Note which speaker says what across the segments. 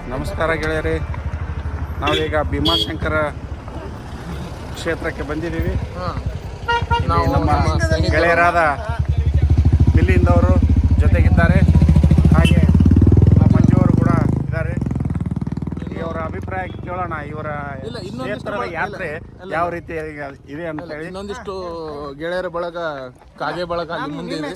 Speaker 1: ನಮಸ್ಕಾರ ಗೆಳೆಯರೇ, ನಾವೀಗ ಭೀಮಾಶಂಕರ ಕ್ಷೇತ್ರಕ್ಕೆ ಬಂದಿದ್ದೀವಿ. ಇಲ್ಲಿ ನಮ್ಮ ಗೆಳೆಯರಾದ ದಿಲ್ಲಿಯಿಂದವರು ಜೊತೆಗಿದ್ದಾರೆ, ಹಾಗೆ ನಮ್ಮ ಮಂಜುವರು ಕೂಡ ಇದ್ದಾರೆ. ಇವರ ಅಭಿಪ್ರಾಯ ಕೇಳೋಣ. ಇವರ ಕ್ಷೇತ್ರದ ಯಾತ್ರೆ ಯಾವ ರೀತಿ ಇದೆ ಅಂತ ಹೇಳಿ.
Speaker 2: ಇನ್ನೊಂದಿಷ್ಟು ಗೆಳೆಯರ ಬಳಗ, ಕಾಗೆ ಬಳಗ ಅಲ್ಲಿ ಮುಂದೆ ಇದೆ.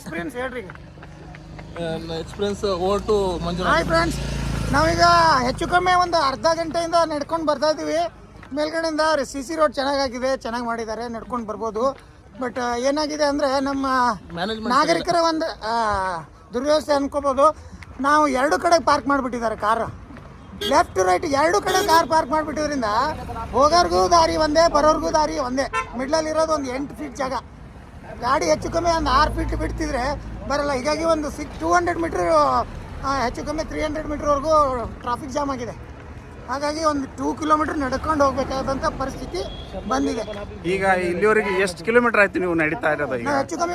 Speaker 2: Experience vote Manjunath.
Speaker 3: ಫ್ರೆಂಡ್ಸ್, ನಾವೀಗ ಹೆಚ್ಚು ಕಮ್ಮಿ ಒಂದು ಅರ್ಧ ಗಂಟೆಯಿಂದ ನಡ್ಕೊಂಡು ಬರ್ತಾ ಇದ್ದೀವಿ. ಮೇಲ್ಗಡೆಯಿಂದ CC ರೋಡ್ ಚೆನ್ನಾಗಾಗಿದೆ, ಚೆನ್ನಾಗಿ ಮಾಡಿದ್ದಾರೆ, ನಡ್ಕೊಂಡು ಬರ್ಬೋದು. ಬಟ್ ಏನಾಗಿದೆ ಅಂದರೆ ನಮ್ಮ ನಾಗರಿಕರ ಒಂದು ದುರ್ವ್ಯವಸ್ಥೆ ಅನ್ಕೋಬೋದು. ನಾವು ಎರಡು ಕಡೆ ಪಾರ್ಕ್ ಮಾಡಿಬಿಟ್ಟಿದ್ದಾರೆ ಕಾರ್, ಲೆಫ್ಟ್ ರೈಟ್ ಎರಡು ಕಡೆ ಕಾರ್ ಪಾರ್ಕ್ ಮಾಡಿಬಿಟ್ಟಿದ್ರಿಂದ ಹೋಗೋರ್ಗೂ ದಾರಿ ಒಂದೇ, ಬರೋರ್ಗೂ ದಾರಿ ಒಂದೇ. ಮಿಡ್ಲಲ್ಲಿರೋದು ಒಂದು 8 ಫೀಟ್ ಜಾಗ. ಗಾಡಿ ಹೆಚ್ಚು ಕಮ್ಮಿ ಒಂದು 6 ಫೀಟ್ ಬಿಡ್ತಿದ್ರೆ ಬರಲ್ಲ. ಹೀಗಾಗಿ ಒಂದು 200 ಮೀಟ್ರ್, ಹೆಚ್ಚು ಕಮ್ಮಿ 300 ಮೀಟ್ರ್ವರೆಗೂ ಟ್ರಾಫಿಕ್ ಜಾಮ್ ಆಗಿದೆ. ಹಾಗಾಗಿ ಒಂದು 2 ಕಿಲೋಮೀಟರ್ ನಡ್ಕೊಂಡು ಹೋಗ್ಬೇಕಾದಂಥ ಪರಿಸ್ಥಿತಿ ಬಂದಿದೆ.
Speaker 1: ಈಗ ಇಲ್ಲಿವರೆಗೆ ಎಷ್ಟು ಕಿಲೋಮೀಟರ್ ಆಯ್ತು ನೀವು ನಡೀತಾ ಇರೋದು? ಈಗ
Speaker 3: ಹೆಚ್ಚು ಕಮ್ಮಿ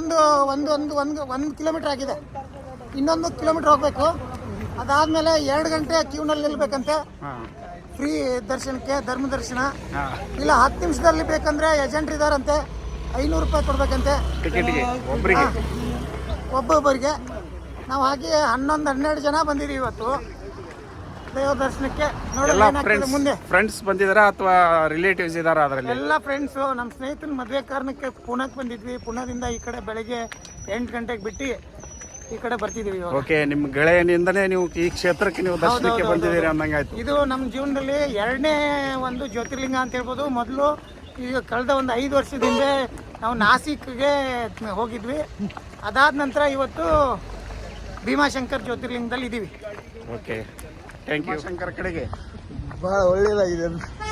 Speaker 3: ಒಂದು ಕಿಲೋಮೀಟರ್ ಆಗಿದೆ. ಇನ್ನೊಂದು ಕಿಲೋಮೀಟರ್ ಹೋಗಬೇಕು. ಅದಾದಮೇಲೆ 2 ಗಂಟೆ ಕ್ಯೂನಲ್ಲಿ ನಿಲ್ಬೇಕಂತೆ ಫ್ರೀ ದರ್ಶನಕ್ಕೆ, ಧರ್ಮ ದರ್ಶನ. ಇಲ್ಲ 10 ನಿಮಿಷದಲ್ಲಿ ಬೇಕಂದ್ರೆ ಏಜೆಂಟ್ ಇದಾರಂತೆ, 500 ರೂಪಾಯಿ ಕೊಡ್ಬೇಕಂತೆ
Speaker 1: ಟಿಕೆಟ್ಗೆ ಒಬ್ಬರಿಗೆ,
Speaker 3: ಒಬ್ಬೊಬ್ಬರಿಗೆ. ನಾವು ಹಾಗೆ 11-12 ಜನ ಬಂದಿದ್ದೀವಿ ಇವತ್ತು ದೇವ ದರ್ಶನಕ್ಕೆ. ನೋಡಿ, ಮುಂದೆ
Speaker 1: ಫ್ರೆಂಡ್ಸ್ ಬಂದಿದಾರ ಅಥವಾ ರಿಲೇಟಿವ್ಸ್ ಇದಾರ? ಅದರಲ್ಲಿ
Speaker 3: ಎಲ್ಲ ಫ್ರೆಂಡ್ಸು. ನಮ್ಮ ಸ್ನೇಹಿತನ ಮದುವೆ ಕಾರಣಕ್ಕೆ ಪುಣಕ್ಕೆ ಬಂದಿದ್ವಿ. ಪುಣದಿಂದ ಈ ಕಡೆ ಬೆಳಗ್ಗೆ 8 ಗಂಟೆಗೆ ಬಿಟ್ಟು ಈ ಕಡೆ ಬರ್ತಿದ್ದೀವಿ.
Speaker 1: ಓಕೆ, ನಿಮ್ಮ ಗೆಳೆಯನಿಂದನೇ ನೀವು ಈ ಕ್ಷೇತ್ರಕ್ಕೆ ನೀವು ದರ್ಶನಕ್ಕೆ ಬಂದಿದ್ದೀರಿ ಅಂದಂಗಾಯ್ತು.
Speaker 3: ಇದು ನಮ್ಮ ಜೀವನದಲ್ಲಿ 2ನೇ ಒಂದು ಜ್ಯೋತಿರ್ಲಿಂಗ ಅಂತ ಹೇಳ್ಬೋದು. ಮೊದಲು ಈಗ ಕಳೆದ ಒಂದು 5 ವರ್ಷದಿಂದ ನಾವು ನಾಸಿಕ್ಗೆ ಹೋಗಿದ್ವಿ. ಅದಾದ ನಂತರ ಇವತ್ತು ಭೀಮಾಶಂಕರ್ ಜ್ಯೋತಿರ್ಲಿಂಗದಲ್ಲಿ ಇದ್ದೀವಿ.
Speaker 1: Okay, thank you. ಶಂಕರ ಕಡೆಗೆ
Speaker 2: ಭಾಳ ಒಳ್ಳೇದಾಗಿದೆ.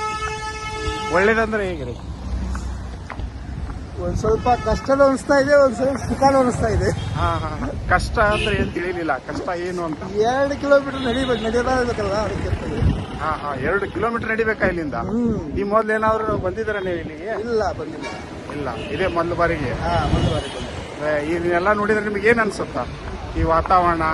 Speaker 1: ಒಳ್ಳೇದಂದ್ರೆ ಹೇಗೆ?
Speaker 2: ಒಂದು ಸ್ವಲ್ಪ ಕಷ್ಟನೂ ಅನಿಸ್ತಾ ಇದೆ, ಒಂದು ಸ್ವಲ್ಪ ಸುಖನೂ ಅನಿಸ್ತಾ ಇದೆ.
Speaker 1: ಕಷ್ಟ ಅಂದ್ರೆ ಏನು ತಿಳಿಲಿಲ್ಲ. ಕಷ್ಟ ಏನು ಅಂತ?
Speaker 2: 2 ಕಿಲೋಮೀಟರ್ ನಡೆಯಬೇಕಲ್ಲ, ಅದಕ್ಕೆ.
Speaker 1: 2 ಕಿಲೋಮೀಟರ್ ನಡಿಬೇಕಾ ಇಲ್ಲಿಂದ? ಈ ಮೊದ್ಲು ಏನಾದ್ರು ಬಂದಿದ್ದೀರಾ ನೀವು ಇಲ್ಲಿಗೆ?
Speaker 2: ಇಲ್ಲ, ಬಂದಿಲ್ಲ.
Speaker 1: ಇಲ್ಲ, ಇದೇ ಮೊದಲು ಬಾರಿಗೆ.
Speaker 2: ಮೊದಲು ಬಾರಿ.
Speaker 1: ಇದನ್ನೆಲ್ಲ ನೋಡಿದ್ರೆ ನಿಮ್ಗೆ ಏನು ಅನ್ಸುತ್ತಾ? ಈ ವಾತಾವರಣ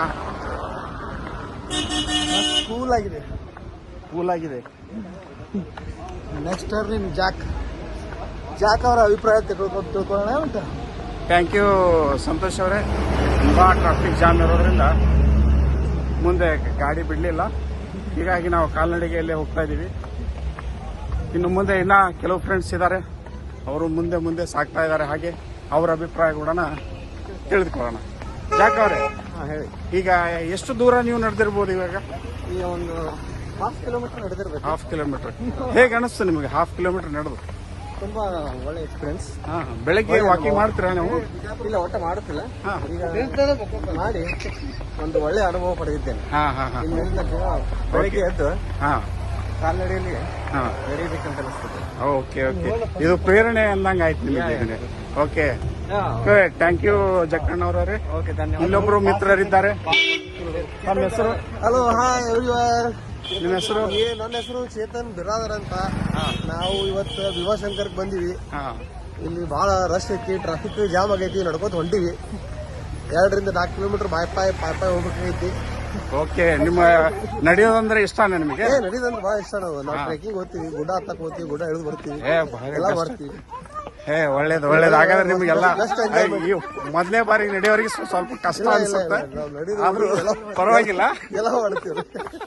Speaker 2: ಕೂಲ್ ಆಗಿದೆ.
Speaker 1: ಕೂಲ್ ಆಗಿದೆ.
Speaker 2: ನೆಕ್ಸ್ಟ್ ಟರ್ನಿಂಗ್ ಜಾಕ್ ಅವರ ಅಭಿಪ್ರಾಯ ತಿಳ್ಕೊಳ್ಳೋಣ ಅಂತ.
Speaker 1: ಥ್ಯಾಂಕ್ ಯು ಸಂತೋಷ್ ಅವರೇ. ತುಂಬ ಟ್ರಾಫಿಕ್ ಜಾಮ್ ಇರೋದ್ರಿಂದ ಮುಂದೆ ಗಾಡಿ ಬಿಡಲಿಲ್ಲ. ಹೀಗಾಗಿ ನಾವು ಕಾಲ್ನಡಿಗೆಯಲ್ಲೇ ಹೋಗ್ತಾ ಇದ್ದೀವಿ. ಇನ್ನು ಮುಂದೆ ಇನ್ನೂ ಕೆಲವು ಫ್ರೆಂಡ್ಸ್ ಇದ್ದಾರೆ, ಅವರು ಮುಂದೆ ಸಾಗ್ತಾ ಇದ್ದಾರೆ. ಹಾಗೆ ಅವರ ಅಭಿಪ್ರಾಯ ಕೂಡ ತಿಳಿದುಕೊಳ್ಳೋಣ. ಜಾಕ್ ಅವರೇ,
Speaker 2: ಹೇಳಿ.
Speaker 1: ಈಗ ಎಷ್ಟು ದೂರ ನೀವು ನಡೆದಿರ್ಬೋದು ಇವಾಗ?
Speaker 2: ಈಗ ಒಂದು 1/2 ಕಿಲೋಮೀಟರ್ ನಡೆದಿರ್ಬೇಕು.
Speaker 1: 1/2 ಕಿಲೋಮೀಟರ್. ಹೇಗೆ ಅನಿಸ್ತು ನಿಮಗೆ 1/2 ಕಿಲೋಮೀಟರ್ ನಡೆದು?
Speaker 2: ತುಂಬಾ ಒಳ್ಳೆ ಎಕ್ಸ್ಪೀರಿಯನ್ಸ್.
Speaker 1: ಬೆಳಗ್ಗೆ ವಾಕಿಂಗ್ ಮಾಡ್ತೀರಾ ನೀವು?
Speaker 2: ಇಲ್ಲ, ಒಟ್ಟ ಮಾಡುತ್ತಿಲ್ಲ. ಈಗ ಮಾಡಿ ಒಂದು ಒಳ್ಳೆ ಅನುಭವ ಪಡೆದಿದ್ದೇನೆ. ಇಲ್ಲಿಂದ ಬೆಳಗ್ಗೆ ಎದ್ದು ಕಾಲ್ನಡಿಯಲ್ಲಿ ನಡೆಯಬೇಕಂತ ಅನಿಸ್ತದೆ.
Speaker 1: ಓಕೆ, ಇದು ಪ್ರೇರಣೆ ಅಂದಂಗೆ ಆಯ್ತು ನಿಮಗೆ. ಓಕೆ, ಥ್ಯಾಂಕ್ ಯು ಜಕ್ಕಣ್ಣವ್ರವ್ರೆ.
Speaker 2: ಓಕೆ, ಧನ್ಯವಾದ.
Speaker 1: ಇಲ್ಲೊಬ್ರು ಮಿತ್ರರಿದ್ದಾರೆ. ನಮ್ಮ ಹೆಸರು?
Speaker 2: Hello, hi everyone.
Speaker 1: ನಿಮ್ಮ ಹೆಸರು?
Speaker 2: ನನ್ನ ಹೆಸರು ಚೇತನ್ ಬಿರಾದರ್ ಅಂತ. ನಾವು ಇವತ್ತು ಭೀಮಾಶಂಕರ್ಗೆ ಬಂದಿವಿ. ಇಲ್ಲಿ ಬಹಳ ರಶ್ ಐತಿ, ಟ್ರಾಫಿಕ್ ಜಾಮ್ ಆಗೈತಿ, ನಡ್ಕೋತ ಹೊಂಟಿವಿ. 2-4 ಕಿಲೋಮೀಟರ್ ಬಾಯ್ ಹೋಗ್ಬೇಕಾಗೈತಿ.
Speaker 1: ಓಕೆ, ನಿಮ್ಮ ನಡೆಯೋದಂದ್ರೆ ಇಷ್ಟನೇ ನಿಮಗೆ?
Speaker 2: ನಡೆಯೋದಂದ್ರೆ ಬಹಳ ಇಷ್ಟ. ನಾವು ಟ್ರೆಕಿಂಗ್ ಹೋಗ್ತೀವಿ, ಗುಡ್ಡ ಹತ್ತಕ್ ಹೋಗ್ತೀವಿ, ಗುಡ್ಡ ಇಳಿದು ಬರ್ತೀವಿ, ಎಲ್ಲ ಮಾಡ್ತೀವಿ.
Speaker 1: ಒಳ್ಳೇದು. ಹಾಗಾದ್ರೆ ನಿಮ್ಗೆಲ್ಲ ಮೊದಲನೇ ಬಾರಿಗೆ ನಡೆಯೋರಿಗೆ ಸ್ವಲ್ಪ ಕಷ್ಟ ಅನ್ಸುತ್ತೆ, ಆದ್ರೂ ಪರವಾಗಿಲ್ಲ,
Speaker 2: ಎಲ್ಲ ಮಾಡ್ತೀವಿ.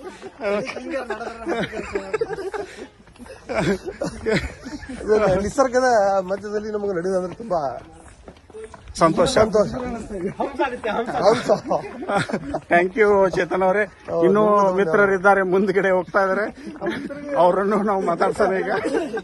Speaker 2: ನಿಸರ್ಗದ ಮಧ್ಯದಲ್ಲಿ ನಮಗೆ ನಡೆಯೋದಂದ್ರೆ ತುಂಬಾ
Speaker 1: ಸಂತೋಷ. ಥ್ಯಾಂಕ್ ಯು ಚೇತನ್ ಅವರೇ. ಇನ್ನೂ ಮಿತ್ರರಿದ್ದಾರೆ, ಮುಂದ್ಗಡೆ ಹೋಗ್ತಾ ಇದಾರೆ, ಅವರನ್ನು ನಾವು ಮಾತಾಡ್ಸೋಣ ಈಗ.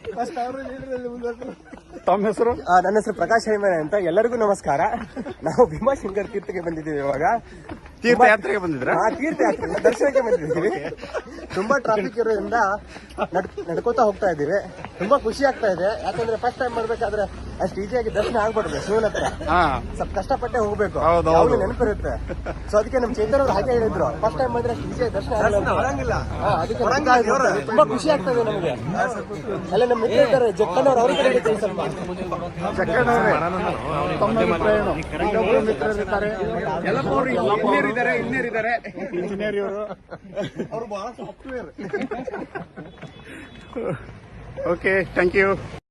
Speaker 1: ತಮ್ಮ ಹೆಸರು?
Speaker 2: ನನ್ನ ಹೆಸರು ಪ್ರಕಾಶ್ ಹೈಮನೆ ಅಂತ. ಎಲ್ಲರಿಗೂ ನಮಸ್ಕಾರ. ನಾವು ಭೀಮಾಶಂಕರ್ ತೀರ್ಥಕ್ಕೆ ಬಂದಿದ್ದೀವಿ. ಇವಾಗ
Speaker 1: ತೀರ್ಥಯಾತ್ರೆಗೆ ಬಂದಿದ್ರ?
Speaker 2: ತೀರ್ಥಯಾತ್ರೆ ದರ್ಶನಕ್ಕೆ ಬಂದಿದ್ದೀವಿ. ತುಂಬಾ ಟ್ರಾಫಿಕ್ ಇರೋದ್ರಿಂದ ನಡ್ಕೋತಾ ಹೋಗ್ತಾ ಇದ್ದೀವಿ. ತುಂಬಾ ಖುಷಿ ಆಗ್ತಾ ಇದೆ. ಯಾಕಂದ್ರೆ ಫಸ್ಟ್ ಟೈಮ್ ಮಾಡ್ಬೇಕಾದ್ರೆ ಅಷ್ಟು ಈಸಿಯಾಗಿ ದರ್ಶನ ಆಗ್ಬಾರ್ದು. ಶಿವನ ಹತ್ರ ಸ್ವಲ್ಪ ಕಷ್ಟಪಟ್ಟೆ ಹೋಗ್ಬೇಕು, ನೆನಪಿರುತ್ತೆ. ಸೊ ಅದಕ್ಕೆ ನಮ್ ಚೇತನ್ ಅವ್ರು ಹಾಗೆ ಹೇಳಿದ್ರು, ಫಸ್ಟ್ ಟೈಮ್ ಬಂದ್ರೆ ಅಷ್ಟು ಈಸಿಯಾಗಿ ದರ್ಶನ ಆಗಲ್ಲ. ಅದಕ್ಕೆ ತುಂಬಾ ಖುಷಿ ಆಗ್ತಾ ಇದೆ ನಮಗೆ. ಎಲ್ಲ ನಮ್ಮ ಮಿತ್ರ ಇದ್ದಾರೆ, ಜಕ್ಕನ್ ಅವ್ರು, ಅವ್ರಿಗೆ ಹೇಳ್ತೀವಿ ಸ್ವಲ್ಪ.
Speaker 1: ಜಕ್ಕಣ್ಣವ್ರೆ, ತಮ್ಮ ಅಭಿಪ್ರಾಯ ಏನು? ಇನ್ನೊಬ್ಬರು ಮಿತ್ರರಿದ್ದಾರೆ, ಇಂಜಿನಿಯರ್ ಇವರು.
Speaker 2: ಅವರು ಬಹಳ ಸಾಫ್ಟ್ವೇರ್.
Speaker 1: Okay, thank you.